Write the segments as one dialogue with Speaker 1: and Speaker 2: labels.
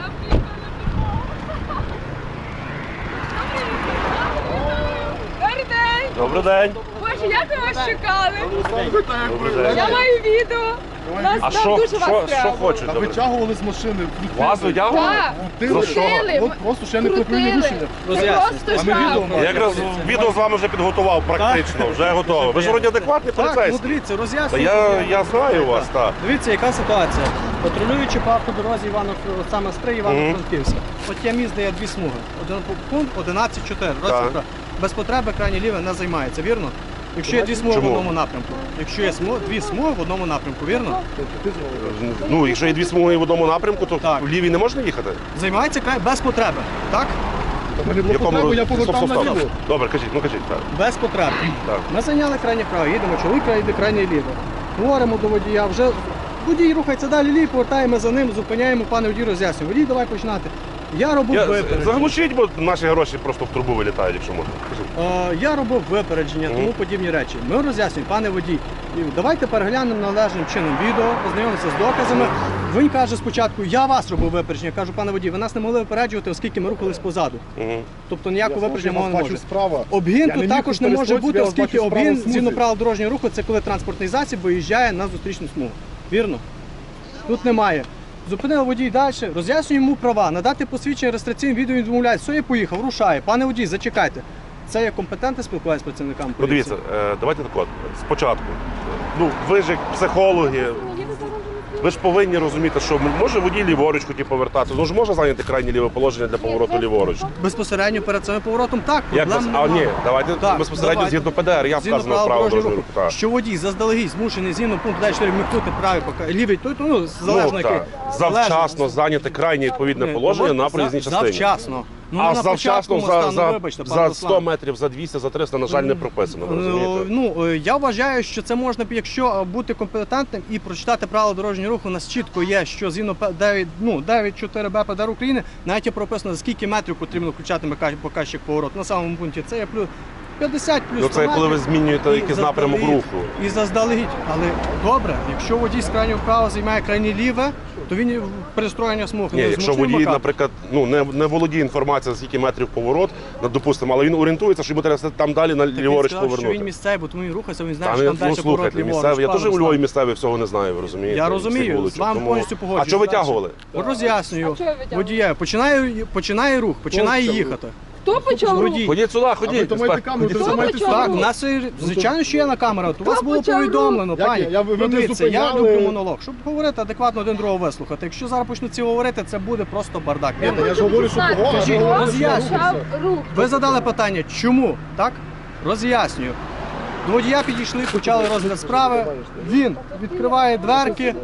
Speaker 1: Добрий день!
Speaker 2: Добрий день.
Speaker 1: Боже, як ви вас чекали?
Speaker 2: Добрий день.
Speaker 1: Я маю відео. Нас
Speaker 2: А
Speaker 1: нам дуже вас
Speaker 2: що
Speaker 1: треба.
Speaker 2: хочете?
Speaker 3: Витягували з машини.
Speaker 2: Вас витягували?
Speaker 1: Так,
Speaker 3: Крутили.
Speaker 1: крутили.
Speaker 3: От просто ще не припинили рішення.
Speaker 1: Це просто
Speaker 3: А ми відео
Speaker 1: жах.
Speaker 3: маємо.
Speaker 2: Я якраз відео з вами вже підготував практично, вже готовий. Ви ж вроді адекватний
Speaker 4: Так, ну
Speaker 2: поліцейський.
Speaker 4: дивіться,
Speaker 2: Та
Speaker 4: роз'яснюю.
Speaker 2: я знаю вас, так.
Speaker 4: Дивіться, яка ситуація. Патрулюючи по автодорозі саме Стрий, Івано-Франківська. От є міст, де є дві смуги. Пункт 11.4.
Speaker 2: Так.
Speaker 4: Без потреби крайнє ліве не займається, вірно? Якщо є дві смуги
Speaker 2: Чому?
Speaker 4: в одному напрямку. Якщо є дві смуги в одному напрямку, вірно?
Speaker 2: Ну, якщо є дві смуги в одному напрямку, то
Speaker 4: Так.
Speaker 2: в лівій не можна їхати?
Speaker 4: Займається без потреби, так?
Speaker 3: Мені було потрібно, я повертав наліво.
Speaker 2: Добре, кажіть, так.
Speaker 4: Без потреби.
Speaker 2: Так.
Speaker 4: Ми зайняли крайнє право, їдемо, чоловік їде крайнє ліво. Говоримо до водія, вже водій рухається далі ліво, повертаємо за ним, зупиняємо, пане водій роз'яснює. Водій, давай починати. Я робив випередження.
Speaker 2: Заглушіть, бо наші гроші просто в трубу вилітають, якщо можна. Кажіть.
Speaker 4: Я робив випередження, тому подібні речі. Ми роз'яснюємо, пане водій, давайте переглянемо належним чином відео, ознайомимося з доказами. Він каже спочатку, я вас робив випередження. Я кажу, пане водій, ви нас не могли випереджувати, оскільки ми рухались позаду. Тобто ніякого випередження мова не може. Обгін тут також не може бути, оскільки обгін згідно правил дорожнього руху це коли транспортний засіб виїжджає на зустрічну смугу. Вірно? Тут немає. Зупинив водій далі, роз'яснюємо йому права, надати посвідчення реєстраційне відео, він відмовляє. Все, я поїхав, рушає. Пане водій, зачекайте. Це є компетентне спілкування з працівниками
Speaker 2: Ну
Speaker 4: поліції.
Speaker 2: дивіться, давайте так от, спочатку. Ну, ви ж як психологи, ви ж повинні розуміти, що може водій ліворуч хотів повертатися, ну ж може зайняти крайнє ліве положення для повороту ліворуч.
Speaker 4: Безпосередньо перед цим поворотом так,
Speaker 2: Як
Speaker 4: проблем
Speaker 2: вас? А
Speaker 4: немає.
Speaker 2: ні, давайте
Speaker 4: Так,
Speaker 2: безпосередньо
Speaker 4: давайте.
Speaker 2: згідно ПДР, я
Speaker 4: Згідно
Speaker 2: вказано право дорожнього руху. Так.
Speaker 4: що водій заздалегідь змушений згідно пункту 4 вмикнути правий лівий, ну, залежно який.
Speaker 2: Завчасно зайняти крайнє відповідне положення на проїзній частині.
Speaker 4: Завчасно. Ну,
Speaker 2: А
Speaker 4: на
Speaker 2: завчасно
Speaker 4: початку стану, вибачте, пане
Speaker 2: за
Speaker 4: Руслан.
Speaker 2: 100 метрів, за 200, за 300, на жаль, не прописано, ви розумієте?
Speaker 4: Ну, я вважаю, що це можна, якщо бути компетентним і прочитати правила дорожнього руху, у нас чітко є, що згідно 9.4 ПДР України, навіть є прописано, за скільки метрів потрібно включати показчик повороту. На самому пункті це є плюс 50 плюс 100
Speaker 2: Ну це коли ви
Speaker 4: метрів.
Speaker 2: змінюєте
Speaker 4: І
Speaker 2: якийсь напрямок
Speaker 4: заздалегідь.
Speaker 2: руху.
Speaker 4: І заздалегідь. Але добре, якщо водій з крайнього права займає крайнє ліве, то він перестроєння смуг
Speaker 2: Ні,
Speaker 4: не
Speaker 2: якщо
Speaker 4: змушує
Speaker 2: водій,
Speaker 4: вмикати.
Speaker 2: наприклад, не володіє інформацією, за скільки метрів поворот, допустимо, але він орієнтується, що йому треба там далі на
Speaker 4: Так він
Speaker 2: ліворуч
Speaker 4: сказав, що він
Speaker 2: повернути.
Speaker 4: місцевий, бо тому він рухається, він знає,
Speaker 2: Та
Speaker 4: що там
Speaker 2: ну,
Speaker 4: далі поворот
Speaker 2: слухайте,
Speaker 4: ліворуч.
Speaker 2: місцевий, я
Speaker 4: пане
Speaker 2: теж у
Speaker 4: Руслан.
Speaker 2: Львові місцевий всього не знаю, ви розумієте?
Speaker 4: Я
Speaker 2: всіх
Speaker 4: розумію,
Speaker 2: вуличок,
Speaker 4: з вами
Speaker 2: тому-
Speaker 4: повністю погоджуюсь.
Speaker 2: А що витягували?
Speaker 4: Роз'яснюю.
Speaker 1: А чого витягували?
Speaker 4: Водія починає рух, починає їхати.
Speaker 1: Хто почав рух?
Speaker 4: Водій.
Speaker 2: Ходіть сюди, ходіть.
Speaker 3: То маєте камеру, то
Speaker 1: Хто
Speaker 3: маєте
Speaker 1: почав?
Speaker 4: Так,
Speaker 1: рух?
Speaker 4: у нас, звичайно, що є на камера. У вас було
Speaker 1: почав
Speaker 4: повідомлено,
Speaker 3: Як
Speaker 4: пані.
Speaker 3: я? Ви мене
Speaker 4: Дивіться, я
Speaker 3: зупиняли.
Speaker 4: люблю монолог. Щоб говорити адекватно один другого вислухати. Якщо зараз почнуть ці говорити, це буде просто бардак.
Speaker 1: Я
Speaker 4: Вірно?
Speaker 3: Я ж говорю, що
Speaker 1: хочу
Speaker 3: погано,
Speaker 1: знати,
Speaker 3: я
Speaker 1: хто
Speaker 3: говорю,
Speaker 4: роз'яснюю.
Speaker 1: почав рух?
Speaker 4: Ви задали питання, чому? Так? Роз'яснюю. До водія підійшли, почали розгляд справи. Він відкриває дверки.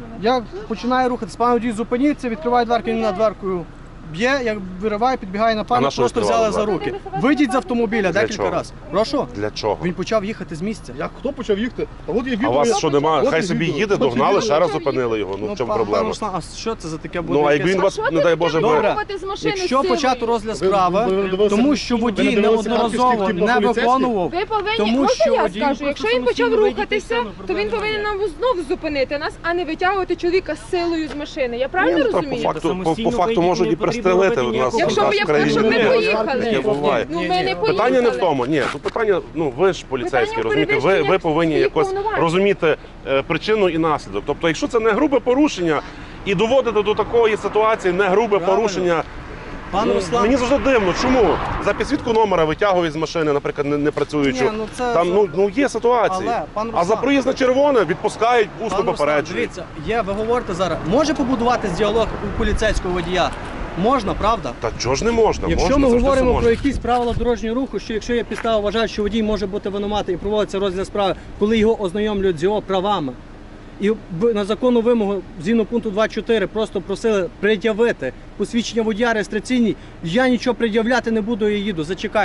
Speaker 4: Я починаю рухатись. Пан водій, зупиніться, відкриває дверки, він над дверкою б'є, як вириває, підбігає на
Speaker 2: А
Speaker 4: пана,
Speaker 2: на що
Speaker 4: просто
Speaker 2: відкривали
Speaker 4: взяли за
Speaker 2: дверки?
Speaker 4: руки. Вийдіть з автомобіля декілька
Speaker 2: чого?
Speaker 4: разів. Прошу?
Speaker 2: Для чого?
Speaker 4: Він почав їхати з місця.
Speaker 3: Як хто почав їхати? Та от є
Speaker 2: А
Speaker 3: відео.
Speaker 2: у вас що немає?
Speaker 3: От
Speaker 2: Хай
Speaker 3: є
Speaker 2: собі
Speaker 3: відео.
Speaker 2: їде,
Speaker 3: От є
Speaker 2: догнали,
Speaker 3: відео.
Speaker 2: ще раз зупинили його. Ну в чому
Speaker 4: пан
Speaker 2: проблема?
Speaker 4: Руслан, а що це за таке буде?
Speaker 2: Ну а якби
Speaker 4: якесь-
Speaker 2: він вас,
Speaker 1: Що
Speaker 2: не
Speaker 1: ти
Speaker 2: дай Боже,
Speaker 1: таке
Speaker 2: би...
Speaker 1: вирвати з машини
Speaker 4: Якщо
Speaker 1: силою?
Speaker 4: почати розгляд
Speaker 3: Ви
Speaker 4: справи,
Speaker 3: дивилися-
Speaker 4: тому що
Speaker 3: ви
Speaker 4: водій
Speaker 3: не дивилися
Speaker 4: неодноразово
Speaker 3: карточки, типу,
Speaker 4: не
Speaker 3: поліцейських?
Speaker 4: виконував,
Speaker 1: Ви повинні,
Speaker 4: тому
Speaker 1: можна
Speaker 4: що
Speaker 1: я
Speaker 4: водій
Speaker 1: скажу, якщо він почав
Speaker 4: самостійно
Speaker 1: рухатися,
Speaker 4: вийти з
Speaker 1: то він
Speaker 4: цього,
Speaker 1: повинен
Speaker 4: проблеми
Speaker 1: нам знов зупинити нас, а не витягувати чоловіка з силою з машини. Я правильно
Speaker 2: Ні, ну,
Speaker 1: розумію?
Speaker 2: по факту можуть і пристрелити в нас.
Speaker 1: Якщо
Speaker 2: в
Speaker 1: б
Speaker 2: нас
Speaker 1: я
Speaker 2: в країні.
Speaker 1: щоб ми
Speaker 2: Ні,
Speaker 1: поїхали.
Speaker 2: таке буває.
Speaker 1: Ну
Speaker 4: Ні,
Speaker 1: ми
Speaker 4: ні.
Speaker 1: не поїхали.
Speaker 2: Питання не в тому, ні, тут питання, ну ви ж поліцейські,
Speaker 1: Питання
Speaker 2: розумієте, ви
Speaker 1: перевищення
Speaker 2: повинні
Speaker 1: своїх
Speaker 2: якось
Speaker 1: повноважень.
Speaker 2: розуміти причину і наслідок. Тобто, якщо це не грубе порушення і доводити до такої ситуації не грубе
Speaker 4: Правильно.
Speaker 2: порушення,
Speaker 4: Пан
Speaker 2: ну,
Speaker 4: Руслан,
Speaker 2: мені завжди дивно, чому? За підсвітку номера витягують з машини, наприклад, не працюючи.
Speaker 4: Ні, ну, це-
Speaker 2: Там ну є ситуації.
Speaker 4: Але, пан
Speaker 2: А за
Speaker 4: Руслан,
Speaker 2: проїзд на червоне відпускають,
Speaker 4: пан
Speaker 2: усно
Speaker 4: Руслан,
Speaker 2: попереджують.
Speaker 4: дивіться, ви говорите зараз, може побудуватись діалог у поліцейського водія? Можна, правда?
Speaker 2: Та чого ж не можна?
Speaker 4: Якщо
Speaker 2: Можна,
Speaker 4: ми
Speaker 2: завжди це
Speaker 4: говоримо про
Speaker 2: можна.
Speaker 4: якісь правила дорожнього руху, що якщо є підстава вважати, що водій може бути винуватий і проводиться розгляд справи, коли його ознайомлюють з його правами, і на законну вимогу згідно пункту 2.4 просто просили пред'явити посвідчення водія реєстраційні, я нічого пред'являти не буду, я їду, зачекайте.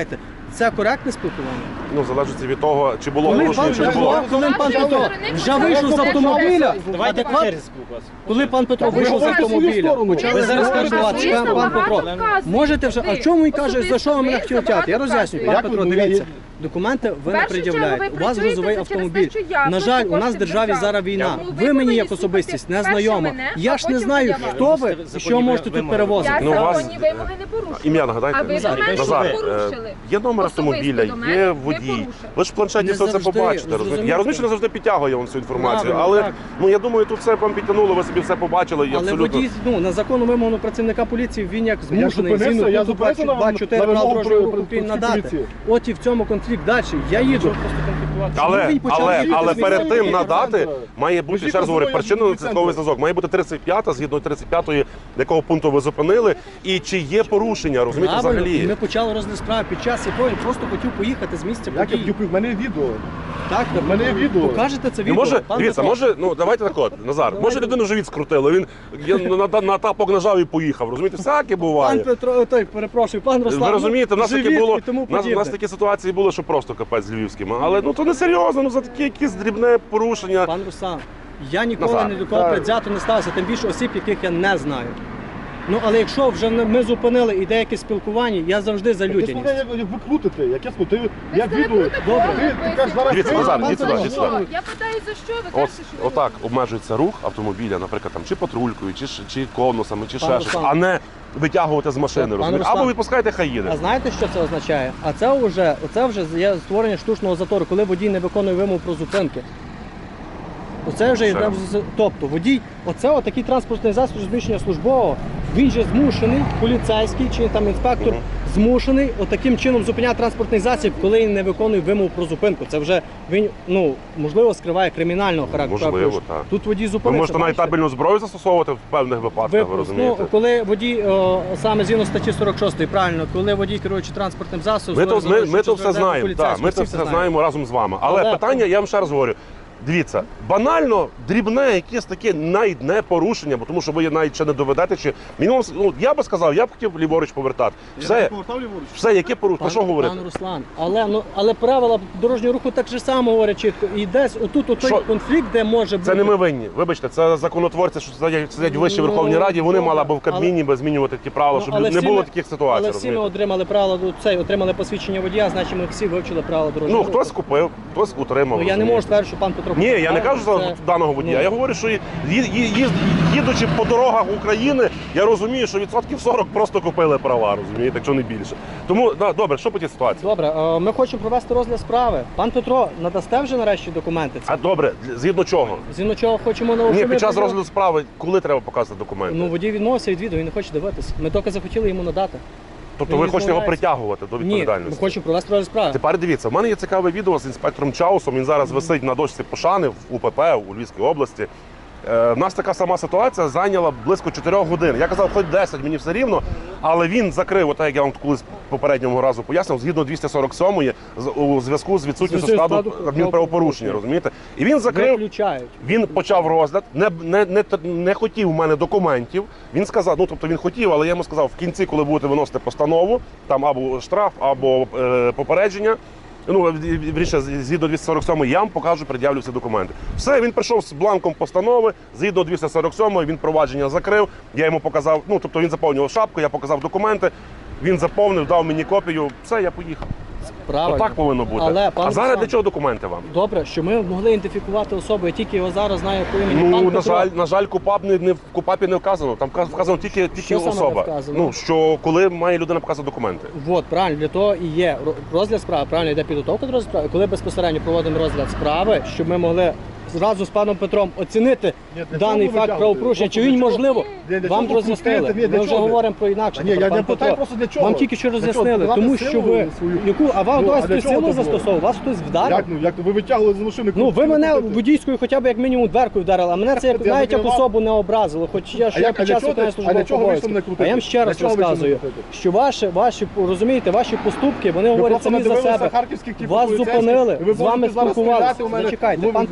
Speaker 4: Це коректне спілкування?
Speaker 2: Ну, залежить від того, чи було
Speaker 4: Коли
Speaker 2: оголошення,
Speaker 4: пан
Speaker 2: чи не було.
Speaker 4: Петро, коли пан Петро вже вийшов з автомобіля,
Speaker 5: Давайте по
Speaker 4: адекватно,
Speaker 5: черзі спілкуватися.
Speaker 4: коли пан Петро вийшов з
Speaker 3: говорите свою
Speaker 4: автомобіля,
Speaker 3: сторону.
Speaker 4: почали
Speaker 3: Ви
Speaker 5: зараз
Speaker 4: спілкуватися,
Speaker 1: Звісно,
Speaker 4: пан Петро,
Speaker 1: багато вказуєте.
Speaker 4: можете вже, а в чому він каже, за що ви мене хотіли тягти? Я
Speaker 1: Багато
Speaker 4: роз'яснюю,
Speaker 1: вказуєте.
Speaker 4: пан Петро,
Speaker 3: Як ви-
Speaker 4: дивіться, документи ви не
Speaker 1: першу чергу
Speaker 4: пред'являєте,
Speaker 1: ви
Speaker 4: у вас
Speaker 1: працюєте
Speaker 4: грузовий
Speaker 1: через те,
Speaker 4: автомобіль.
Speaker 1: що я
Speaker 4: На жаль, у нас в
Speaker 1: кошти
Speaker 4: державі
Speaker 1: держави.
Speaker 4: зараз війна,
Speaker 1: Тому
Speaker 4: ви мені
Speaker 1: повинні
Speaker 4: як
Speaker 1: слухати
Speaker 4: особистість не
Speaker 1: перше
Speaker 4: знайома,
Speaker 1: мене,
Speaker 4: я
Speaker 1: а
Speaker 4: ж не
Speaker 1: потім
Speaker 4: знаю,
Speaker 1: вже
Speaker 4: хто ви і що можете тут перевозити.
Speaker 1: Я
Speaker 2: Ну, у вас-
Speaker 1: законні вимоги не порушую.
Speaker 2: Ім'я нагадайте.
Speaker 1: А ви
Speaker 5: Назар,
Speaker 1: до мене
Speaker 5: Назар,
Speaker 1: порушили.
Speaker 2: Є номер
Speaker 1: Особисто
Speaker 2: автомобіля,
Speaker 1: до мене
Speaker 2: є
Speaker 1: не
Speaker 2: водій.
Speaker 1: порушили.
Speaker 2: Ви ж в планшеті
Speaker 4: Не
Speaker 2: все це
Speaker 4: завжди,
Speaker 2: побачите. розумієте?
Speaker 4: зрозуміло.
Speaker 2: Я розумію, що не завжди підтягує вам цю інформацію,
Speaker 4: Правильно,
Speaker 2: але
Speaker 4: так.
Speaker 2: ну я думаю, тут все вам підтягнуло, ви собі все побачили і
Speaker 4: Але
Speaker 2: абсолютно.
Speaker 4: водій, ну, на законну вимогу працівника поліції він як змушений
Speaker 3: зупинився,
Speaker 4: згідно
Speaker 3: я
Speaker 4: пункту
Speaker 3: зупинився на
Speaker 4: 24
Speaker 3: вимогу
Speaker 4: правил дорожнього руху
Speaker 3: про
Speaker 4: України
Speaker 3: поліції.
Speaker 4: надати. От і в цьому конфлікт далі. Я їду.
Speaker 2: Але,
Speaker 4: він почав їхати
Speaker 2: але
Speaker 4: з
Speaker 2: перед
Speaker 4: місцевої
Speaker 2: тим надати
Speaker 3: центру.
Speaker 2: має бути,
Speaker 3: Біжіть
Speaker 2: ще раз
Speaker 3: за
Speaker 2: говорю,
Speaker 3: мною,
Speaker 2: причинно
Speaker 3: я
Speaker 2: наслідковий
Speaker 3: біжу в
Speaker 2: зв'язок. Має бути 35-та, згідно 35-ї, якого пункту ви зупинили, і чи є порушення, розумієте,
Speaker 4: Правильно. І
Speaker 2: взагалі.
Speaker 4: ми почали розгляд справи, під час якої просто хотів поїхати з місця
Speaker 3: Як я
Speaker 4: події.
Speaker 3: в мене є відео.
Speaker 4: Так,
Speaker 3: в мене є відео.
Speaker 4: Покажете це
Speaker 2: Ну,
Speaker 4: відео?
Speaker 2: може,
Speaker 4: пан
Speaker 2: дивіться,
Speaker 4: Петро?
Speaker 2: може, ну давайте так от, Назар, може людину живіт скрутило, він на тапок нажав і поїхав, розумієте, всяке
Speaker 4: Пан
Speaker 2: буває.
Speaker 4: Петро, той, перепрошую, пан Руслан.
Speaker 2: Ви розумієте, в нас таке
Speaker 4: живіт
Speaker 2: було,
Speaker 4: і тому
Speaker 2: у нас
Speaker 4: подібне.
Speaker 2: такі ситуації були, що просто капець з львівським. Але ну то не серйозно, ну за такі якісь дрібне порушення.
Speaker 4: Пан Руслан, я ніколи
Speaker 2: Назар,
Speaker 4: ні до кого
Speaker 3: так.
Speaker 4: предвзято не ставився, тим більше осіб, яких я не знаю. Ну, але якщо вже ми зупинили і деякі спілкування, я завжди за
Speaker 3: Ти
Speaker 4: людяність.
Speaker 3: слухай, як ви крутите, яке слухай, я
Speaker 1: це
Speaker 3: відео.
Speaker 1: не
Speaker 4: Добре.
Speaker 3: Ти кажеш зараз.
Speaker 2: Дивіться,
Speaker 3: ти-
Speaker 2: Назар,
Speaker 3: пан
Speaker 2: йдіть сюди,
Speaker 3: Петро,
Speaker 2: йдіть сюди.
Speaker 1: Я питаю, за що ви
Speaker 2: От,
Speaker 1: кажете, що ви
Speaker 2: отак обмежується рух автомобіля, наприклад, там чи патрулькою, чи конусами, чи
Speaker 4: Пан
Speaker 2: ще щось,
Speaker 4: Руслан.
Speaker 2: а не витягувати з машини.
Speaker 4: Пан
Speaker 2: розумієте?
Speaker 4: Руслан.
Speaker 2: Або відпускайте, хай їде.
Speaker 4: А знаєте, що це означає? А це вже є створення штучного затору, коли водій не виконує вимог про зупинки. Оце вже йде. Тобто водій, оце отакий транспортний засіб розміщення службового, він же змушений, поліцейський чи там інспектор, змушений отаким чином зупиняти транспортний засіб, коли він не виконує вимог про зупинку. Це вже він, ну, можливо, скриває кримінального характеру.
Speaker 2: Можливо, так.
Speaker 4: Тут водій
Speaker 2: Ви
Speaker 4: зупинився.
Speaker 2: можете навіть
Speaker 4: бачите?
Speaker 2: табельну зброю застосовувати в певних випадках, ви розумієте?
Speaker 4: Ну, коли водій, саме згідно статті 46, правильно, коли водій, керуючи транспортним засобом,
Speaker 2: Ми то все знаємо, так, ми це все знаємо разом з вами. Але питання, я вам ще раз говорю, дивіться, банально, дрібне, якесь таке навіть не порушення, бо тому що ви навіть ще не доведете, чи мінімум, ну, я би сказав, я б хотів ліворуч повертати. Все, яке порушення, про що говорити?
Speaker 4: Пан Руслан, але правила дорожнього руху так же само говорять чітко. І десь отут отой
Speaker 2: Що?
Speaker 4: конфлікт, де може бути.
Speaker 2: Це не ми винні. Вибачте, це законотворці, що сидять в Вищій Верховній Раді, вони мали або в Кабміні би змінювати ті правила, щоб
Speaker 4: але
Speaker 2: не
Speaker 4: всі
Speaker 2: було
Speaker 4: ми-
Speaker 2: таких ситуацій.
Speaker 4: Але всі ми
Speaker 2: розумієте?
Speaker 4: отримали правила, отримали посвідчення водія, значить ми всі вивчили правила дорожнього
Speaker 2: Ну,
Speaker 4: руху.
Speaker 2: хтось купив, хтось утримав.
Speaker 4: Ну, я не
Speaker 2: розумієте?
Speaker 4: можу сказати, що пан Петро...
Speaker 2: Ні, я не
Speaker 4: Це-
Speaker 2: кажу за даного водія. Я говорю, що їдучи по дорогах України, я розумію, що відсотків 40 просто купили права, розумієте, якщо не більше. Тому добре, що по тій ситуації?
Speaker 4: Добре, ми хочемо провести розгляд справи. Пан Петро, надасте вже нарешті документи?
Speaker 2: А добре, згідно чого?
Speaker 4: Згідно чого хочемо на
Speaker 2: Ні, під час розгляду справи, коли треба показувати документи?
Speaker 4: Ну, водій відмовився від відео, він не хоче дивитися. Ми докази хотіли йому надати.
Speaker 2: Тобто
Speaker 4: він
Speaker 2: ви хочете його
Speaker 4: відмовляється.
Speaker 2: притягувати до
Speaker 4: Ні,
Speaker 2: відповідальності?
Speaker 4: ми хочемо провести розгляд справи.
Speaker 2: Тепер дивіться, в мене є цікаве відео з інспектором Чаусом, він зараз висить на дошці пошани в УПП у Львівській області. В нас така сама ситуація зайняла близько 4 годин. Я казав, хоч 10, мені все рівно, але він закрив, отак як я вам колись попереднього разу пояснив, згідно 247-ї, у зв'язку з відсутністю складу адмінправопорушення, розумієте? І він закрив,
Speaker 4: Виключають.
Speaker 2: він почав розгляд, не хотів у мене документів. Він сказав, ну тобто він хотів, але я йому сказав, в кінці, коли будете виносити постанову, там або штраф, або попередження, ну, вірніше, згідно 247 я вам покажу, пред'явлю всі документи. Все, він прийшов з бланком постанови, згідно 247 він провадження закрив, я йому показав, ну, тобто він заповнював шапку, я показав документи, він заповнив, дав мені копію, все, я поїхав.
Speaker 4: Правильно.
Speaker 2: Отак повинно бути.
Speaker 4: Але, пан
Speaker 2: а зараз
Speaker 4: Руслан,
Speaker 2: для чого документи вам?
Speaker 4: Добре, що ми могли ідентифікувати особу, я тільки його зараз знаю по імені. Пан
Speaker 2: Ну,
Speaker 4: Петро.
Speaker 2: на жаль, в КУПАПі не вказано. Там вказано тільки
Speaker 4: Що саме
Speaker 2: особа.
Speaker 4: не вказано?
Speaker 2: Ну, що коли має людина показати документи.
Speaker 4: От, правильно, для того і є розгляд справи, правильно, йде підготовка до розгляду справи. Коли безпосередньо проводимо розгляд справи, щоб ми могли зразу з паном Петром оцінити
Speaker 3: Ні, для
Speaker 4: даний
Speaker 3: чого ви
Speaker 4: факт
Speaker 3: витягуєте?
Speaker 4: правопорушення, чи він можливо
Speaker 3: Ні, для
Speaker 4: вам
Speaker 3: чого
Speaker 4: роз'яснили.
Speaker 3: крутити? Ні, для
Speaker 4: Ми вже
Speaker 3: чого?
Speaker 4: говоримо про інакше.
Speaker 3: Ні, я
Speaker 4: пан
Speaker 3: не питаю
Speaker 4: Петро.
Speaker 3: просто для чого.
Speaker 4: Вам тільки що
Speaker 3: Для чого?
Speaker 4: роз'яснили,
Speaker 3: Давати
Speaker 4: тому що
Speaker 3: силу
Speaker 4: ви
Speaker 3: свою.
Speaker 4: яку, а вам
Speaker 3: Ну,
Speaker 4: вас
Speaker 3: а для
Speaker 4: хтось
Speaker 3: чого
Speaker 4: силу
Speaker 3: це було?
Speaker 4: застосовував, вас хтось вдарив.
Speaker 3: Як ви витягували з машини?
Speaker 4: Ну, ви
Speaker 3: крутили,
Speaker 4: мене
Speaker 3: крутили.
Speaker 4: водійською хоча б як мінімум дверкою вдарили, а мене це
Speaker 3: Я
Speaker 4: навіть як
Speaker 3: не
Speaker 4: особу не образило, хоч я
Speaker 3: А як-
Speaker 4: під
Speaker 3: а для
Speaker 4: час
Speaker 3: чого
Speaker 4: виконання
Speaker 3: ти- а для
Speaker 4: службових
Speaker 3: чого ви
Speaker 4: обов'язків.
Speaker 3: мене крутите?
Speaker 4: А я вам ще раз
Speaker 3: Для чого ви
Speaker 4: розказую,
Speaker 3: мене крутите?
Speaker 4: що розумієте, ваші поступки, вони
Speaker 3: Ви
Speaker 4: говорять
Speaker 3: просто
Speaker 4: самі за
Speaker 3: надивилися
Speaker 4: себе.
Speaker 3: харківських, типу,
Speaker 4: Вас
Speaker 3: поліцейських,
Speaker 4: зупинили,
Speaker 3: і ви
Speaker 4: з вами
Speaker 3: можете зараз
Speaker 4: спілкувалися.
Speaker 3: стріляти у мене
Speaker 4: Зачекайте,
Speaker 3: в
Speaker 4: пан Петро,
Speaker 3: автоматі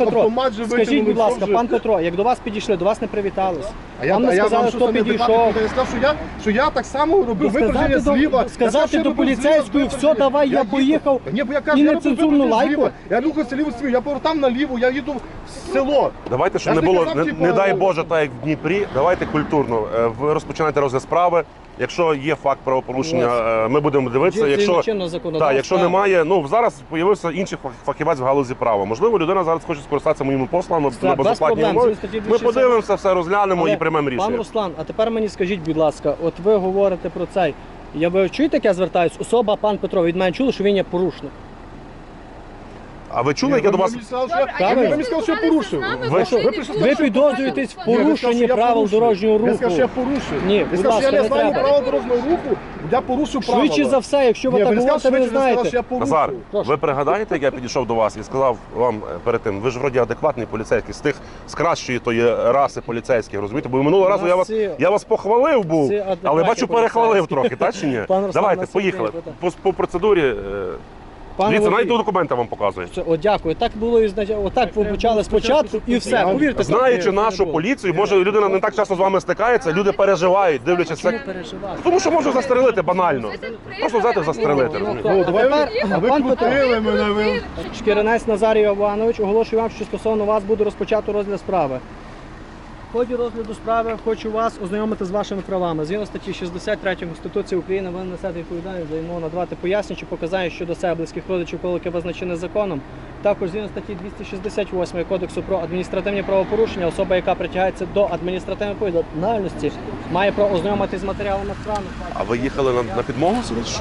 Speaker 3: автомат же
Speaker 4: Скажіть,
Speaker 3: витягнули,
Speaker 4: будь ласка,
Speaker 3: що вже?
Speaker 4: пан Петро, як до вас підійшли, до вас не привітались.
Speaker 3: А я
Speaker 4: Вам не сказали,
Speaker 3: що
Speaker 4: хто
Speaker 3: саме
Speaker 4: підійшов.
Speaker 3: адекватно? Я сказав, що я так само робив випередження зліва. Я
Speaker 4: Сказати
Speaker 3: сказав,
Speaker 4: до
Speaker 3: що робив
Speaker 4: поліцейської,
Speaker 3: зліва,
Speaker 4: все, давай, я
Speaker 3: їхав.
Speaker 4: поїхав.
Speaker 3: Ні, бо я кажу,
Speaker 4: І
Speaker 3: я робив
Speaker 4: нецензурну
Speaker 3: випередження
Speaker 4: лайку?
Speaker 3: зліва. Я рухався ліво свій, я повертав наліво, я їду в село.
Speaker 2: Давайте, щоб
Speaker 3: Я
Speaker 2: не
Speaker 3: ж не
Speaker 2: було,
Speaker 3: казав,
Speaker 2: не,
Speaker 3: типу,
Speaker 2: не дай Боже, так як в Дніпрі, давайте культурно. Ви розпочинаєте розгляд справи. Якщо є факт правопорушення, ми будемо дивитися. Якщо, так, якщо немає, ну зараз з'явився інший фахівець в галузі права. Можливо, людина зараз хоче скористатися моїми послами на
Speaker 4: без
Speaker 2: безоплатній
Speaker 4: проблем.
Speaker 2: умові.
Speaker 4: Статті
Speaker 2: Ми
Speaker 4: 260.
Speaker 2: подивимося, все розглянемо
Speaker 4: Але,
Speaker 2: і приймемо
Speaker 4: Пан
Speaker 2: рішення.
Speaker 4: Руслан, а тепер мені скажіть, будь ласка, от ви говорите про цей. Ви чуєте, як я звертаюсь? Особа, пан Петро, від мене чули, що він є порушник.
Speaker 2: А ви чули, як я до вас?
Speaker 3: Ви мені сказали,
Speaker 1: Добре,
Speaker 3: що
Speaker 1: а
Speaker 3: я-
Speaker 1: як
Speaker 3: ви
Speaker 1: ви
Speaker 3: мені сказали, що я
Speaker 1: спілкувалися
Speaker 3: порушив.
Speaker 1: з нами,
Speaker 2: Ви
Speaker 1: то
Speaker 2: що,
Speaker 1: ви
Speaker 3: ви
Speaker 1: не
Speaker 3: прийшли
Speaker 1: були,
Speaker 4: Ви
Speaker 1: що
Speaker 4: підозрюєтесь в
Speaker 1: показали
Speaker 3: Ні, ви
Speaker 4: порушенні
Speaker 3: сказали, що я
Speaker 4: правил
Speaker 3: порушив.
Speaker 4: дорожнього руху.
Speaker 3: Я сказав, що я порушив.
Speaker 4: Ні,
Speaker 3: Я
Speaker 4: будь
Speaker 3: сказав, що
Speaker 4: ласка,
Speaker 3: я
Speaker 4: не
Speaker 3: не знаю
Speaker 4: треба.
Speaker 3: правил дорожнього руху, я порушив правила.
Speaker 4: Швидше за все, якщо ви
Speaker 3: Ні,
Speaker 4: так
Speaker 3: ви не
Speaker 4: говорите, ви не
Speaker 3: сказали, що я
Speaker 4: знаєте.
Speaker 3: порушив.
Speaker 2: Назар,
Speaker 4: Прошу.
Speaker 2: ви пригадаєте, як я підійшов до вас і сказав вам перед тим, ви ж вроді адекватний поліцейський, з кращої тої раси поліцейських, розумієте? Бо минулого разу я вас похвалив був,
Speaker 4: всі адекватні
Speaker 2: але бачу, перехвалив
Speaker 4: поліцейські.
Speaker 2: трохи, так чи ні?
Speaker 4: Пан Руслан,
Speaker 2: Давайте,
Speaker 4: нас
Speaker 2: поїхали.
Speaker 4: іде,
Speaker 2: По процедурі.
Speaker 4: Пане
Speaker 2: Дивіться,
Speaker 4: Водій,
Speaker 2: навіть документи вам показують.
Speaker 4: О, дякую. Так було і отак ви почали спочатку і все. Повірте,
Speaker 2: Знаючи
Speaker 4: так не
Speaker 2: нашу
Speaker 4: було.
Speaker 2: поліцію, може людина не так часто з вами стикається, люди переживають, дивлячись.
Speaker 4: Чому
Speaker 2: як-
Speaker 4: переживати?
Speaker 2: Тому що можна застрелити банально. Просто взяти застрелити. розумієте?
Speaker 3: Ну, давай
Speaker 4: тепер,
Speaker 3: а ви
Speaker 4: пан Петро.
Speaker 3: крутили мене, ви...
Speaker 4: Шкірянець Назарій Іванович, оголошую вам, що стосовно вас буде розпочато розгляд справи. В ході розгляду справи хочу вас ознайомити з вашими правами. Згідно статті 63 Конституції України ви несете відповідальність за відмову надавати пояснення чи показання щодо себе близьких родичів, коли яке визначене законом. Також згідно статті 268 Кодексу про адміністративні правопорушення, особа, яка притягається до адміністративної відповідальності, має право ознайомитись з матеріалами справи.
Speaker 2: А ви їхали на підмогу собі чи що?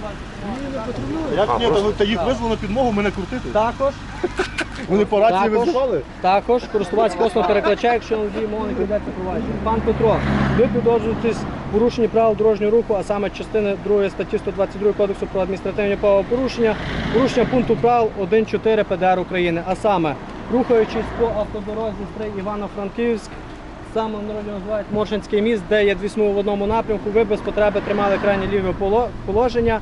Speaker 3: Як ні,
Speaker 2: просто-
Speaker 3: та їх визвали на підмогу мене крутити.
Speaker 4: Також
Speaker 3: Вони по рації
Speaker 4: Також.
Speaker 3: визивали.
Speaker 4: Також користувач послуг перекладача, якщо водій мови не піддається провадження. Пан Петро, ви підозрюєтесь в порушенні правил дорожнього руху, а саме частини 2 статті 122 Кодексу про адміністративні правопорушення, порушення пункту правил 1.4 ПДР України, а саме рухаючись по автодорозі Стрий Івано-Франківськ, саме народі називають Моршинський міст, де є дві смуги в одному напрямку, ви без потреби тримали крайнє ліве положення,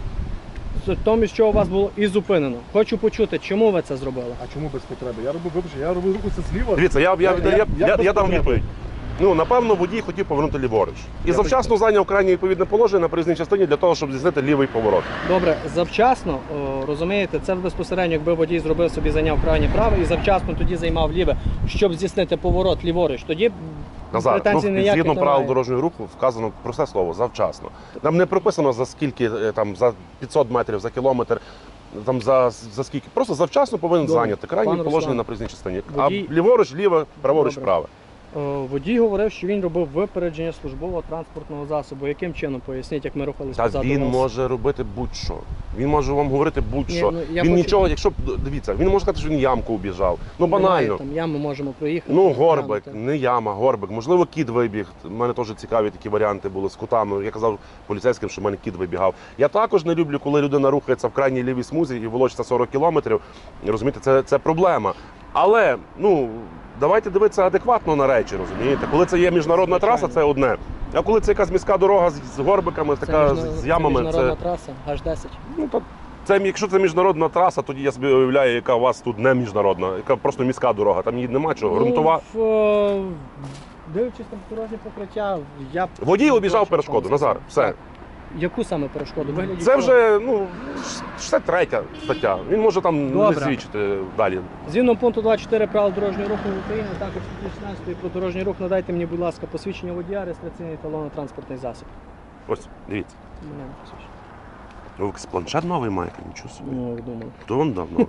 Speaker 4: з тому, що у вас було і зупинено. Хочу почути, чому ви це зробили?
Speaker 3: А чому без потреби? Я робив, вибачте, я робив руху зліва.
Speaker 2: Дивіться, я
Speaker 3: без
Speaker 2: дам
Speaker 3: потреби.
Speaker 2: відповідь. Ну, напевно, водій хотів повернути ліворуч. І завчасно зайняв крайнє відповідне положення на проїзній частині для того, щоб здійснити лівий поворот.
Speaker 4: Добре, завчасно, розумієте, це безпосередньо, якби водій зробив собі, зайняв крайнє право і завчасно тоді займав ліве, щоб здійснити поворот ліворуч, тоді
Speaker 2: Назар,
Speaker 4: претензій ніяких
Speaker 2: згідно правил
Speaker 4: немає.
Speaker 2: дорожнього руху вказано просте слово завчасно. Там не прописано за скільки, там за 500 метрів, за кілометр, там за скільки. Просто завчасно повинен
Speaker 4: Добре.
Speaker 2: зайняти крайнє
Speaker 4: Пан
Speaker 2: положення
Speaker 4: Руслан,
Speaker 2: на проїзній частині.
Speaker 4: водій-
Speaker 2: А ліворуч, ліве, праворуч,
Speaker 4: Добре.
Speaker 2: праве.
Speaker 4: Водій говорив, що він робив випередження службового транспортного засобу. Яким чином, поясніть, як ми рухалися
Speaker 2: Та
Speaker 4: позаду
Speaker 2: він
Speaker 4: вас?
Speaker 2: може робити будь-що. Він може вам говорити будь-що.
Speaker 4: Ні, ну, я
Speaker 2: Він
Speaker 4: хочу-
Speaker 2: нічого, якщо дивіться, він може сказати, що він ямку обіжав. Ну
Speaker 4: Немає,
Speaker 2: банально.
Speaker 4: там яму можемо проїхати.
Speaker 2: Ну, горбик,
Speaker 4: глянути.
Speaker 2: не яма, горбик. Можливо, кіт вибіг. У мене теж цікаві такі варіанти були з котами. Я казав поліцейським, що в мене кіт вибігав. Я також не люблю, коли людина рухається в крайній лівій смузі і волочиться 40 кілометрів. Розумієте, це проблема. Але, ну, давайте дивитися адекватно на речі, розумієте? Коли це є міжнародна траса, це одне. А коли це якась міська дорога з горбиками,
Speaker 4: Це
Speaker 2: така
Speaker 4: міжна-
Speaker 2: з ямами,
Speaker 4: міжнародна
Speaker 2: це,
Speaker 4: траса, H10.
Speaker 2: ну, якщо це міжнародна траса, тоді я собі уявляю, яка у вас тут не міжнародна, яка просто міська дорога. Там її нема чого. Грунтова.
Speaker 4: Дивлячись на дорожнє покриття, я б-
Speaker 2: Водій обіжав
Speaker 4: Точно
Speaker 2: перешкоду.
Speaker 4: вам
Speaker 2: Назар,
Speaker 4: сказав.
Speaker 2: все.
Speaker 4: Так. Яку саме перешкоду? Вигляді
Speaker 2: Це
Speaker 4: чого?
Speaker 2: вже, ну, 63 стаття. Він може там не
Speaker 4: Добре.
Speaker 2: свідчити далі.
Speaker 4: Згідно пункту 24 правил дорожнього руху в Україні, також статті 16 про дорожній рух, надайте мені, будь ласка, посвідчення водія, реєстраційний талон на транспортний засіб.
Speaker 2: Ось, дивіться.
Speaker 4: У мене посвідчення.
Speaker 2: Ви якийсь планшет новий маєте, нічого собі.
Speaker 4: Ну, як думали.
Speaker 2: То він давно.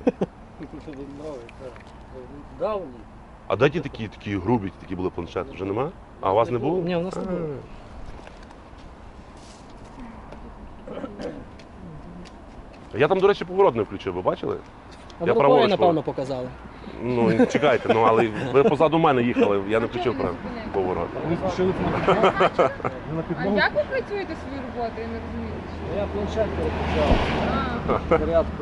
Speaker 4: Давні.
Speaker 2: А де ті такі грубі, такі були планшети? Вже нема? А у вас не було?
Speaker 4: Ні, у нас не було.
Speaker 2: Я там, до речі, поворот не включив, ви бачили?
Speaker 4: А
Speaker 2: Я
Speaker 4: ви
Speaker 2: праворуч
Speaker 4: рукою, напевно, показали.
Speaker 2: Ну, чекайте, ну але ви позаду мене їхали, я не включив поворот.
Speaker 3: Вони спішили на підмогу. Не на
Speaker 1: А
Speaker 3: підмогу.
Speaker 1: як ви працюєте свою роботу? Я не розумію.
Speaker 4: Я планшет переключав.
Speaker 1: А,
Speaker 4: Порядку.